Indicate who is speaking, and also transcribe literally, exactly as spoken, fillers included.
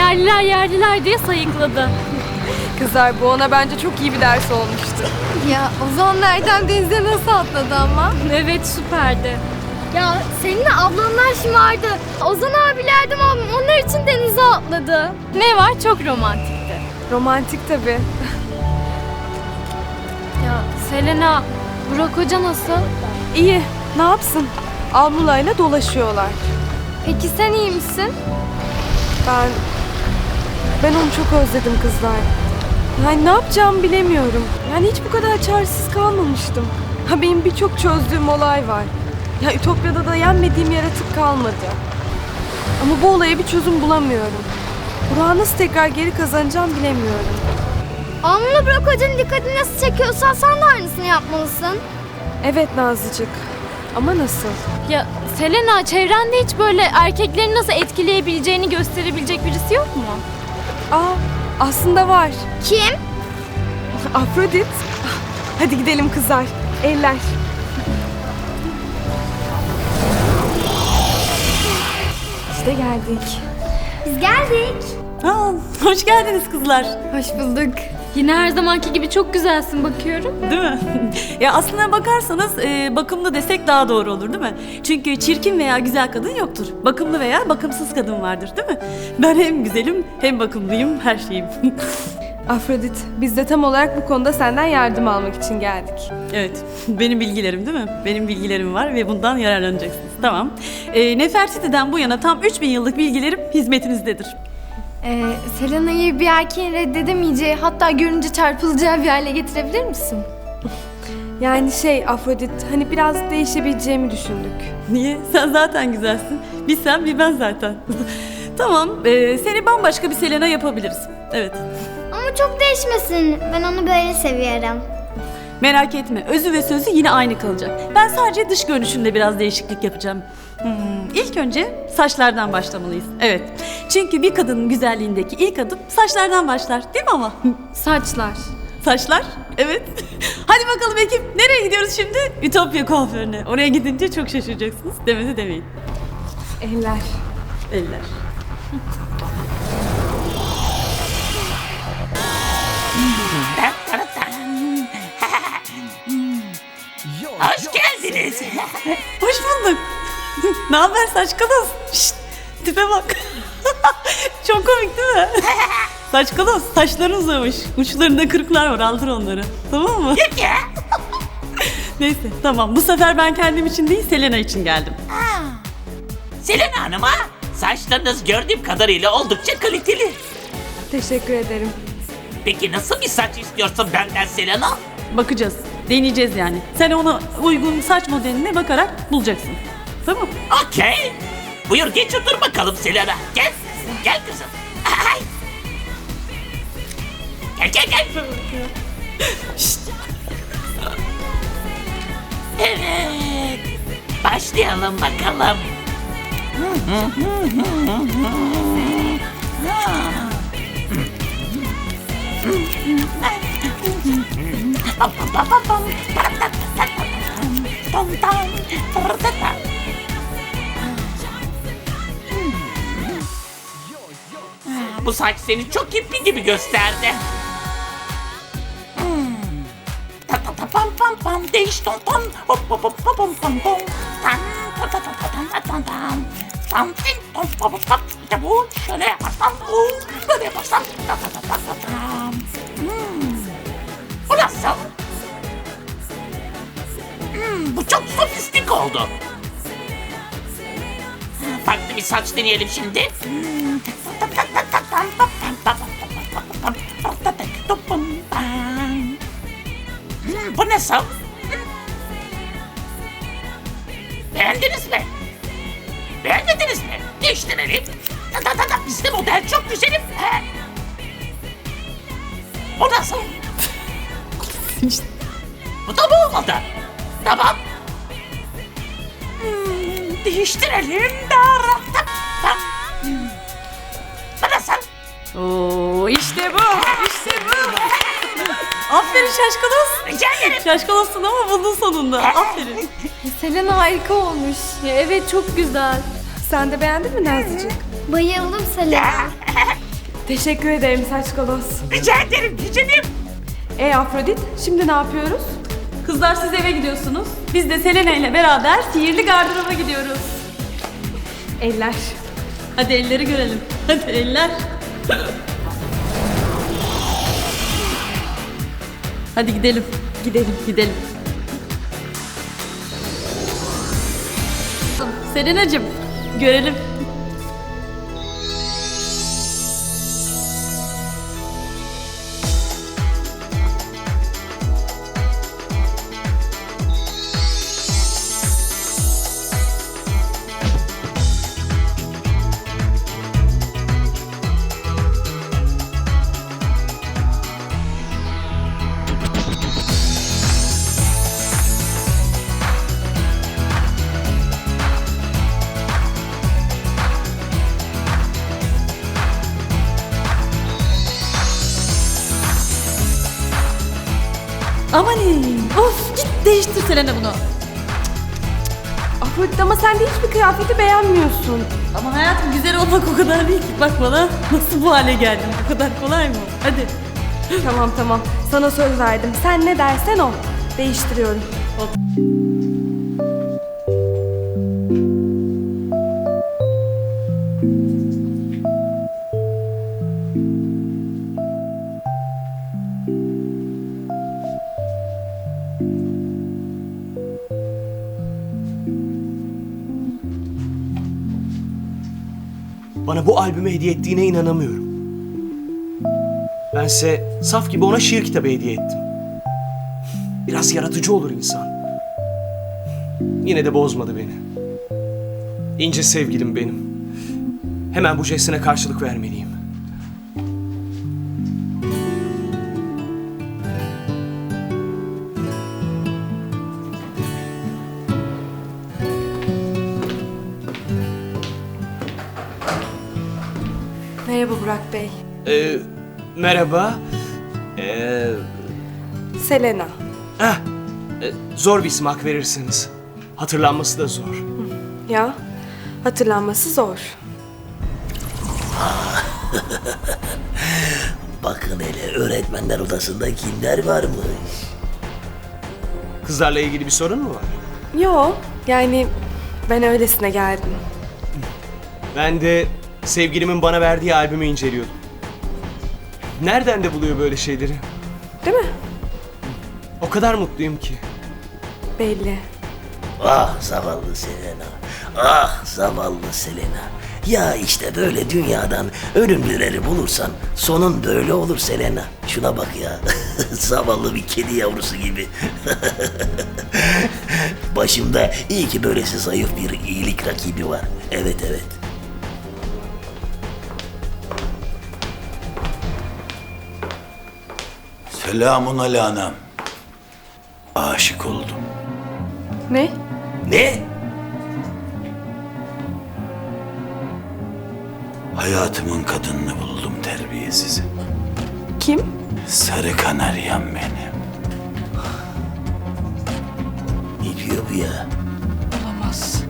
Speaker 1: yerliler yerliler diye sayıkladı.
Speaker 2: Kızlar bu ona bence çok iyi bir ders olmuştu.
Speaker 3: Ya Ozan nereden denize nasıl atladı ama?
Speaker 1: Evet, süperdi.
Speaker 3: Ya seninle ablanlar şımardı. Ozan abiler de onlar için denize atladı.
Speaker 1: Ne var? Çok romantikti.
Speaker 2: Romantik tabii.
Speaker 1: Ya Selena, Burak Hoca nasıl?
Speaker 2: İyi, ne yapsın? Almulayla dolaşıyorlar.
Speaker 3: Peki sen iyi misin?
Speaker 2: Ben... Ben onu çok özledim kızlar. Yani ne yapacağımı bilemiyorum. Yani hiç bu kadar çaresiz kalmamıştım. Ha benim birçok çözdüğüm olay var. Ya Ütopya'da da yenmediğim yaratık kalmadı. Ama bu olaya bir çözüm bulamıyorum. Burak'ı nasıl tekrar geri kazanacağım bilemiyorum.
Speaker 3: Alnına Burak Hoca'nın dikkatini nasıl çekiyorsan sen de aynısını yapmalısın.
Speaker 2: Evet Nazlıcık. Ama nasıl?
Speaker 1: Ya Selena, çevrende hiç böyle erkekleri nasıl etkileyebileceğini gösterebilecek birisi yok mu?
Speaker 2: Aa, aslında var.
Speaker 3: Kim?
Speaker 2: Afrodit. Hadi gidelim kızlar. Eller. İşte geldik.
Speaker 3: Biz geldik.
Speaker 4: Aa, hoş geldiniz kızlar.
Speaker 3: Hoş bulduk.
Speaker 1: Yine her zamanki gibi çok güzelsin bakıyorum.
Speaker 4: Değil mi? Ya aslına bakarsanız e, bakımlı desek daha doğru olur değil mi? Çünkü çirkin veya güzel kadın yoktur. Bakımlı veya bakımsız kadın vardır değil mi? Ben hem güzelim hem bakımlıyım, her şeyim.
Speaker 2: Afrodit, biz de tam olarak bu konuda senden yardım almak için geldik.
Speaker 4: Evet, benim bilgilerim değil mi? Benim bilgilerim var ve bundan yararlanacaksınız. Tamam. E, Nefertiti'den bu yana tam üç bin yıllık bilgilerim hizmetinizdedir.
Speaker 3: Ee, Selena'yı bir erkeğin reddedemeyeceği, hatta görünce çarpılacağı bir hale getirebilir misin?
Speaker 2: Yani şey Afrodit, hani biraz değişebileceğimi düşündük.
Speaker 4: Niye? Sen zaten güzelsin. Bir sen bir ben zaten. Tamam, e, seni bambaşka bir Selena yapabiliriz. Evet.
Speaker 3: Ama çok değişmesin. Ben onu böyle seviyorum.
Speaker 4: Merak etme, özü ve sözü yine aynı kalacak. Ben sadece dış görünüşünde biraz değişiklik yapacağım. Hmm, ilk önce saçlardan başlamalıyız. Evet. Çünkü bir kadının güzelliğindeki ilk adım saçlardan başlar, değil mi ama?
Speaker 1: Saçlar.
Speaker 4: Saçlar, evet. Hadi bakalım ekip, nereye gidiyoruz şimdi? Ütopya kuaförüne. Oraya gidince çok şaşıracaksınız. Demedi demeyin.
Speaker 2: Eller.
Speaker 4: Eller.
Speaker 5: Hoş geldiniz.
Speaker 4: Hoş bulduk. Ne haber saç kalos? Şşt, tipe bak. Çok komik değil mi? Saç kalos, saçların uzamış. Uçlarında kırıklar var, aldır onları. Tamam mı?
Speaker 5: Ya.
Speaker 4: Neyse, tamam. Bu sefer ben kendim için değil, Selena için geldim.
Speaker 5: Selena Hanım'a saçlarınız gördüğüm kadarıyla oldukça kaliteli.
Speaker 2: Teşekkür ederim.
Speaker 5: Peki nasıl bir saç istiyorsun benden Selena?
Speaker 4: Bakacağız, deneyeceğiz yani. Sen ona uygun saç modeline bakarak bulacaksın. Tamam.
Speaker 5: Okey. Buyur geç otur bakalım Selena. Gel. Gel kızım. Ay. Gel gel gel. Şşt. Evet. Başlayalım bakalım. Bu saç seni çok hippi gibi gösterdi. Ta ta ta pam pam pam değiş tom tom hop hop hop hop pom pom pom tam ta ta ta ta tam tam tam tam tam tin tom pom pom pom işte bu şöyle yaparsam bu böyle yaparsam ta ta ta ta ta tam. Hmm. Bu nasıl? Hmm, bu çok sofistik oldu. Farklı bir saç deneyelim şimdi. Hmm. Hmm, bu nasıl? Hmm. Beğendiniz mi? Beğenmediniz mi? Değiştirelim. Da da da da bizde model çok güzelim. He. Bu nasıl? Bu da mı olmadı? Tamam. Hmm, değiştirelim. Da, da, da. Hmm. Bu nasıl?
Speaker 4: Oo, işte bu, işte bu. Aferin şaşkalos.
Speaker 5: Rica ederim.
Speaker 4: Şaşkalossun ama buldun sonunda. Aferin.
Speaker 3: Selena harika olmuş.
Speaker 1: Ya evet, çok güzel.
Speaker 2: Sen de beğendin mi Nazlıcık?
Speaker 3: Bayıldım Selena.
Speaker 2: Teşekkür ederim saç kolos.
Speaker 5: Rica ederim güzelim.
Speaker 2: E Afrodit, şimdi ne yapıyoruz?
Speaker 4: Kızlar siz eve gidiyorsunuz. Biz de Selena ile beraber sihirli gardıroba gidiyoruz.
Speaker 2: Eller.
Speaker 4: Hadi elleri görelim. Hadi eller. Hadi gidelim. Gidelim, gidelim. Selena'cığım, görelim. Amanin. Of, git değiştir Selena bunu.
Speaker 2: Afrodit ama sen de hiçbir kıyafeti beğenmiyorsun.
Speaker 4: Ama hayatım, güzel olmak o kadar değil ki. Bak bana nasıl bu hale geldim. Bu kadar kolay mı? Hadi.
Speaker 2: Tamam tamam, sana söz verdim. Sen ne dersen o. Değiştiriyorum.
Speaker 6: Bana bu albümü hediye ettiğine inanamıyorum. Bense saf gibi ona şiir kitabı hediye ettim. Biraz yaratıcı olur insan. Yine de bozmadı beni. İnce sevgilim benim. Hemen bu jestine karşılık vermeliyim.
Speaker 2: Merhaba Burak Bey.
Speaker 6: Ee, merhaba. Ee,
Speaker 2: Selena.
Speaker 6: heh, e, zor bir isim hak verirsiniz. Hatırlanması da zor.
Speaker 2: Ya, hatırlanması zor.
Speaker 7: Bakın hele öğretmenler odasında kimler varmış.
Speaker 6: Kızlarla ilgili bir sorun mu var?
Speaker 2: Yo, yani ben öylesine geldim.
Speaker 6: Ben de sevgilimin bana verdiği albümü inceliyordum. Nereden de buluyor böyle şeyleri?
Speaker 2: Değil mi?
Speaker 6: O kadar mutluyum ki.
Speaker 2: Belli.
Speaker 7: Ah zavallı Selena. Ah zavallı Selena. Ya işte böyle dünyadan ölümlüleri bulursan sonun böyle olur Selena. Şuna bak ya. Zavallı bir kedi yavrusu gibi. Başımda iyi ki böylesi zayıf bir iyilik rakibi var. Evet evet.
Speaker 8: Selamun aleyhanam. Aşık oldum.
Speaker 2: Ne?
Speaker 7: Ne?
Speaker 8: Hayatımın kadınını buldum terbiyesizi.
Speaker 2: Kim?
Speaker 8: Sarı kanaryam benim.
Speaker 7: Ne diyor bu ya?
Speaker 2: Olamaz.